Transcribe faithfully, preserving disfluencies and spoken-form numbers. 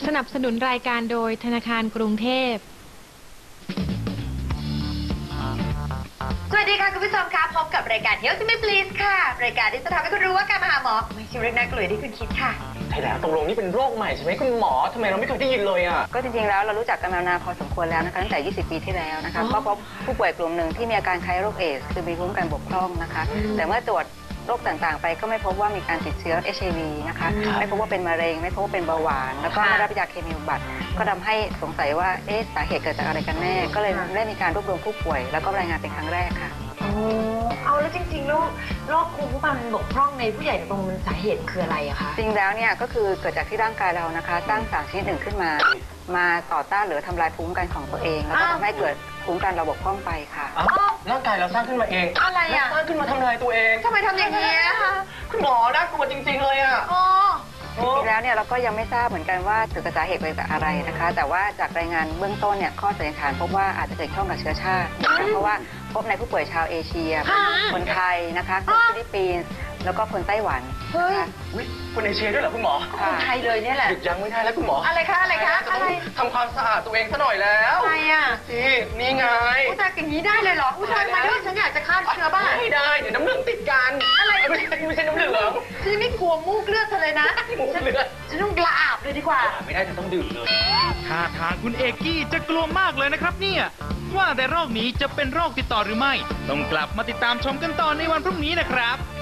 นับสนุนรายการโดยธนาคารกรุงเทพสวัสดีค่ะคุณผู้ชมคะพบกับรายการ Health Me Please ค่ะรายการที่จะทำให้คุณรู้ว่าการมาหาหมอไม่ใช่เรื่องน่ากลัวที่คุณคิดค่ะใช่แล้วตกลงนี่เป็นโรคใหม่ใช่ไหมคุณหมอทำไมเราไม่เคยได้ยินเลยอ่ะก็จริงๆแล้วเรารู้จักกันมานานพอสมควรแล้วนะคะตั้งแต่ยี่สิบปีที่แล้วนะคะก็พบผู้ป่วยกลุ่มหนึ่งที่มีอาการคล้ายโรคเอดส์คือมีภูมิคุ้มกันบกพร่องนะคะแต่เมื่อตรวจโรคต่างๆไปก็ไม่พบว่ามีการติดเชื้อ เอช ไอ วี นะคะไม่พบว่าเป็นมะเร็งไม่พบว่าเป็นเบาหวานแล้วก็ไม่รับยาเคมีบำบัดก็ทำให้สงสัยว่าเอ๊ะสาเหตุเกิดจากอะไรกันแน่ก็เลยได้มีการรวบรวมผู้ป่วยแล้วก็รายงานเป็นครั้งแรกค่ะโอ้เอาแล้วจริงๆแล้วโรคภูมิคุ้มกันบกพร่องในผู้ใหญ่ตรงมันสาเหตุคืออะไรอะคะจริงแล้วเนี่ยก็คือเกิดจากที่ร่างกายเรานะคะสร้างสารชนิดหนึ่งขึ้นมามาต่อต้านหรือทำลายภูมิคุ้มกันของตัวเองแล้วก็ทำให้เกิดภูมิคุ้มกันเราบกพร่องไปค่ะร่างกายเราสร้างขึ้นมาเองอะไรอะสร้างขึ้นมาทำลายตัวเองทำไมทำอย่างนี้คะคุณหมอน่ากลัวจริงๆเลยอ่ะจริงๆแล้วเนี่ยเราก็ยังไม่ทราบเหมือนกันว่าเกิดจากสาเหตุมาจากอะไรนะคะแต่ว่าจากรายงานเบื้องต้นเนี่ยข้อสันนิษฐานพบว่าอาจจะเกิดข้องกับเชื้อชาติเพราะว่าพบในผู้ป่วยชาวเอเชียคนไทยนะคะคนฟิลิปปินส์แล้วก็คนไต้หวันนะคะคนเอเชียด้วยเหรอคุณหมอคนไทยเลยเนี่ยแหละหยุดยั้งไม่ได้แล้วคุณหมออะไรคะอะไรคะอะไรทำความสะอาดตัวเองซะหน่อยแล้วอะไรอ่ะนี่นี่ไงอุตส่าห์อย่างนี้ได้เลยเหรออุตส่าห์มาด้วยฉันอยากจะฆ่าเชื้อบ้างไม่ได้เดี๋ยวน้ำเหลืองติดกันอะไรไม่ใช่ไม่ใช่น้ำเหลืองฉันไม่กลัวมูกเลือดเธอเลยนะมูกเลือดฉันต้องกระอาบเลยดีกว่าไม่ได้จะต้องดื่มเลยท่าทางคุณเอกกี้จะกลัวมากเลยนะครับเนี่ยว่าแต่โรคนี้จะเป็นโรคติดต่อหรือไม่ต้องกลับมาติดตามชมกันต่อในวันพรุ่งนี้นะครับ